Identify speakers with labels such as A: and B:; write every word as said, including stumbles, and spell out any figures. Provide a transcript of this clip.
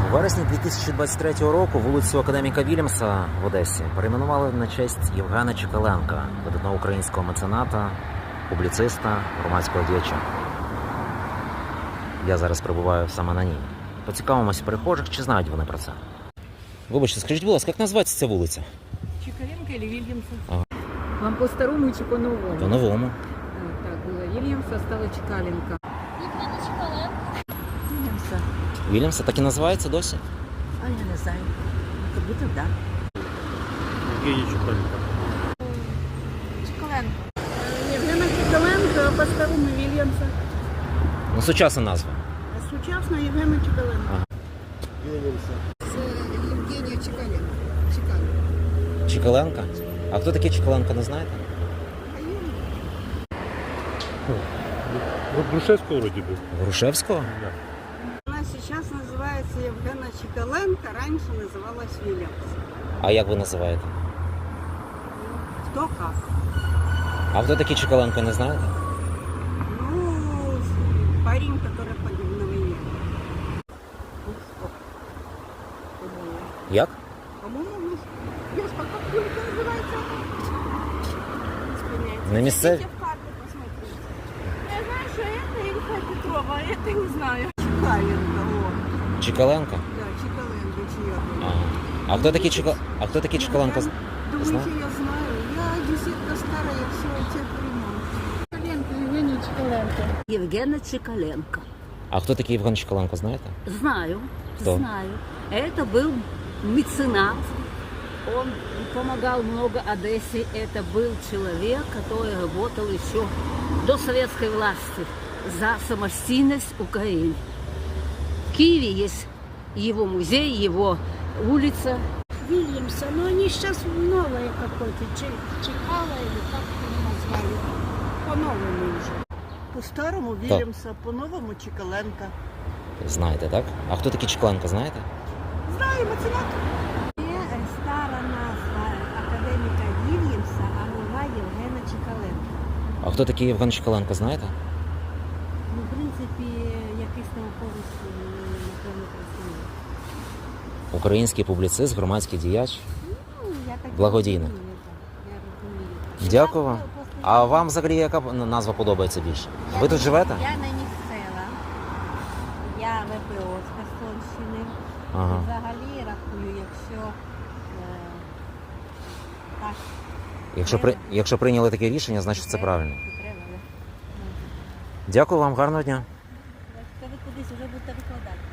A: У вересні дві тисячі двадцять третього року вулицю Академіка Вільямса в Одесі перейменували на честь Євгена Чекаленка, видатного українського мецената, публіциста, громадського діяча. Я зараз перебуваю саме на ній. Поцікавимося перехожих, чи знають вони про це. Вибачте, скажіть, будь ласка, як називається ця вулиця?
B: Чекаленко или Вильямса?
A: Ага.
B: Вам по-старому чи по-новому?
A: По-новому.
B: А, так, было Вильямса, стало Чекаленко.
C: Євгена Чекаленко.
B: Вильямса.
A: Вільямса так і називається досі?
B: А я не знаю. Как будто да.
D: Евгений Чекаленко.
C: Чекаленко.
E: Євгена Чекаленко, а по-старому Вільямса.
A: Ну, сучасна назва.
E: А сучасно Євгена Чекаленко.
C: Євгенія Чекаленко. Чекаленко.
A: Чекаленка? А хто такий Чекаленко, не знаєте?
D: Вот Грушевского вроде бы.
A: Грушевського?
D: Да.
E: Она сейчас называется Євгена Чекаленко, раньше называлась Вильямс.
A: А як ви називаєте?
E: Кто как?
A: А хто такий Чекаленко, не знаєте?
E: Ну, парень, который погиб на войне. Ну, что? По-моему.
A: Як?
E: По-моему, Яшка, как только называется?
A: Не місцеві?
E: в карту посмотрите.
C: Я знаю, що це Ільфа Петрова, а я це не знаю.
E: Чекаленко, о.
A: Чекаленко?
E: Да, Чекаленко, чья.
A: Ага. А хто такий Чека... А хто такий Чекаленко?
E: Думаете,
A: Знаю.
E: я знаю? Я десятка старая, все тех времен.
C: Чекаленко, Євгенія Чекаленко.
F: Евгена Чекаленко.
A: А хто такий Євген Чекаленко, знаєте?
F: Знаю,
A: Кто?
F: знаю. Это был меценат. Он помогал много Одессе. Это был человек, который работал еще до советской власти за самостийность Украины. В Киеве есть его музей, его улица.
E: Вильямса, но они сейчас новое какое-то, Чекала или как его назвали. По-новому уже. По-старому Вильямса, по-новому Чекаленко.
A: Знаєте, так? А хто такий Чекаленко, знаєте?
E: Знаю, меценат.
G: Є стара назва академіка Вільямса, а нова Євгена Чекаленка.
A: А хто такий Євген Чекаленко, знаєте?
G: Ну, в принципі, якийсь науковець, напевно, працює.
A: Український публіцист, громадський діяч.
G: Ну, я так
A: Благодійник.
G: розумію, так. Я розумію.
A: Дякую вам.
G: Я просто-
A: А вам взагалі яка назва подобається більше? Ви тут живете?
G: Я не місцева. Я ВПО з Херсонщини.
A: Ага.
G: Взагалі рахую, якщо е, так,
A: Якщо, при... Якщо прийняли таке рішення, значить це
G: треба,
A: правильно.
G: то треба, да.
A: Дякую вам, гарного дня.
G: Та ви кудись вже будете викладати.